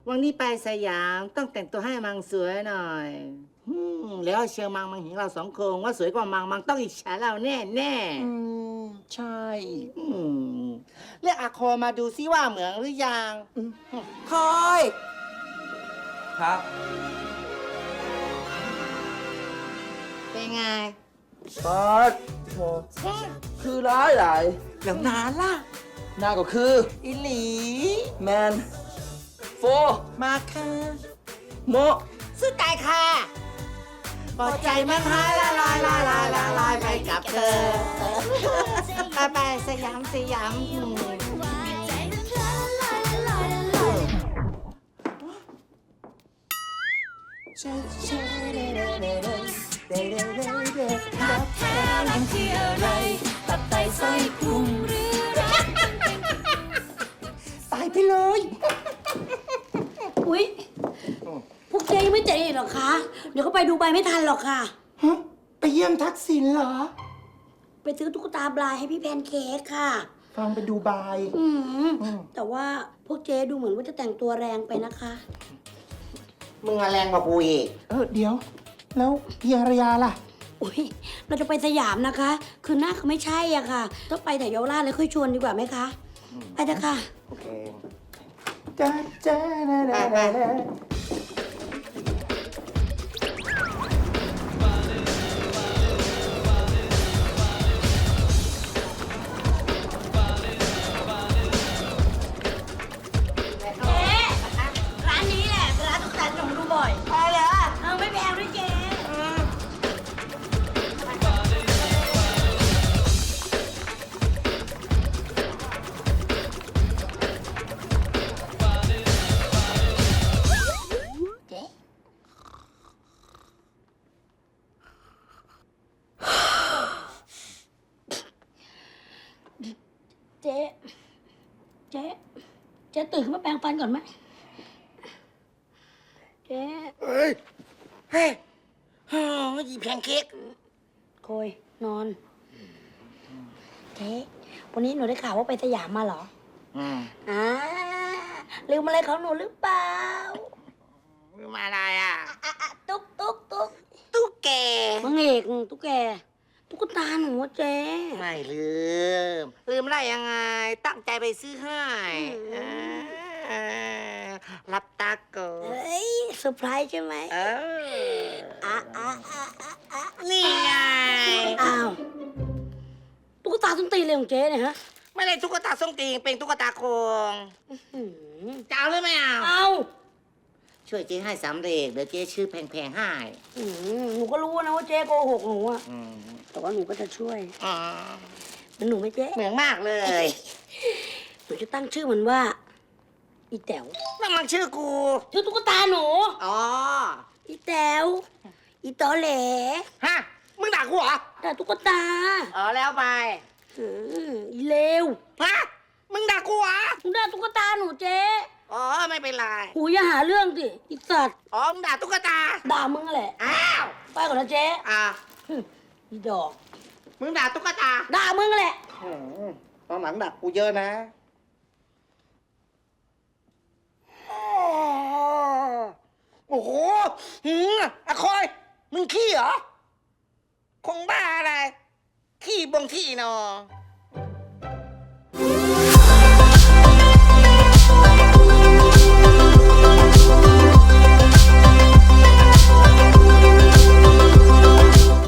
วันนี้ไปสยามต้องแต่งตัวให้มังสวยหน่อยแล้วเชียงมังเห็นเราสองคนว่าสวยกว่ามังต้องอิจฉาเราแน่แน่ใช่เรียกอาโคมาดูซิว่าเหมือนหรือยังคอยครับเป็นไงปัดโถคือร้ายหลายแล้วนานล่ะหน้าก็คืออิหลีแมนโฟมาค่ะโมสุดใจค่ะปลอดใจมันหายละลายไปกับเธอไปสยามตายไปเลยอุ๊ย พวกเจ๊ยังไม่เจ๊อีกหรอคะ เดี๋ยวเขาไปดูใบไม่ทันหรอกค่ะฮะ ไปเยี่ยมทักษิณเหรอไปซื้อตุ๊กตาบลายให้พี่แพนเค้กค่ะฟังไปดูบายแต่ว่าพวกเจ๊ดูเหมือนว่าจะแต่งตัวแรงไปนะคะมึงแรงกว่ากูอีกเดี๋ยว แล้วพี่อารยาล่ะอุ๊ย เราจะไปสยามนะคะ คือหน้าเขาไม่ใช่อะค่ะ ต้องไปแต่เยาวราชเลยค่อยชวนดีกว่าไหมคะ ไปเถอะค่ะโอเคจ้าจ้าไปเจ๊ร้านนี้แหละร้านตุ๊กตาที่หนูดูบ่อยไปเหรอไม่แพงด้วยเจ๊ เจ๊ตื่นขึ้นมาแปรงฟันก่อนไหมเจ๊เฮ้ยยีแพนเค้กโคยนอน เจ๊วันนี้หนูได้ข่าวว่าไปสยามมาเหรออ่าลืมอะไรของหนูหรือเปล่ามาอะไรอ่ะตุ๊กตุ๊กแกมังเอกตุ๊กแก ตุ๊กตาหนูอะเจ๊ไม่ลืมได้ยังไง ตั้งใจไปซื้อให้รับตาโกเฮ้ยเซอร์ไพรส์ใช่ไหมนี่ไงอ้าวตุ๊กตาส้นตีนเลยของเจ๊เนี่ยฮะไม่ได้ตุ๊กตาส้มตีนเป็นตุ๊กตาโคงจะเอาหรือไม่เอาเอาช่วยเจ๊ให้สำเร็จเดี๋ยวเจ๊ชื่อแพงๆให้หนูก็รู้นะว่าเจ๊โกหกหนูอะแต่ว่าหนูก็จะช่วยมันหนูไหม่เจ๊เหมือนมากเลยหนูจะตั้งชื่อมันว่า อีแต๋วนั่นมันชื่อกูชื่อตุ๊กตาหนูอ๋ออีแต๋วอีตอแหลฮะ มึงด่ากูเหรอแต่ตุ๊กตาอ๋อแล้วไปอีเลวฮะ มึงด่ากูเหรอหนูด่าตุ๊กตาหนูเจ๊อ๋อไม่เป็นไรหูอย่าหาเรื่องสิอีสัตว์อ๋อมึงด่าตุ๊กตาด่ามึงแหละอ้าวไปก่อนนะเจ๊ อีดอกมึงด่าตุ๊กตาด่ามึงแหละตอนหลังดักกูเยอะนะโอ้โหอะคอย มึงขี้เหรอ คงบ้าอะไร ขี้บงขี้นอ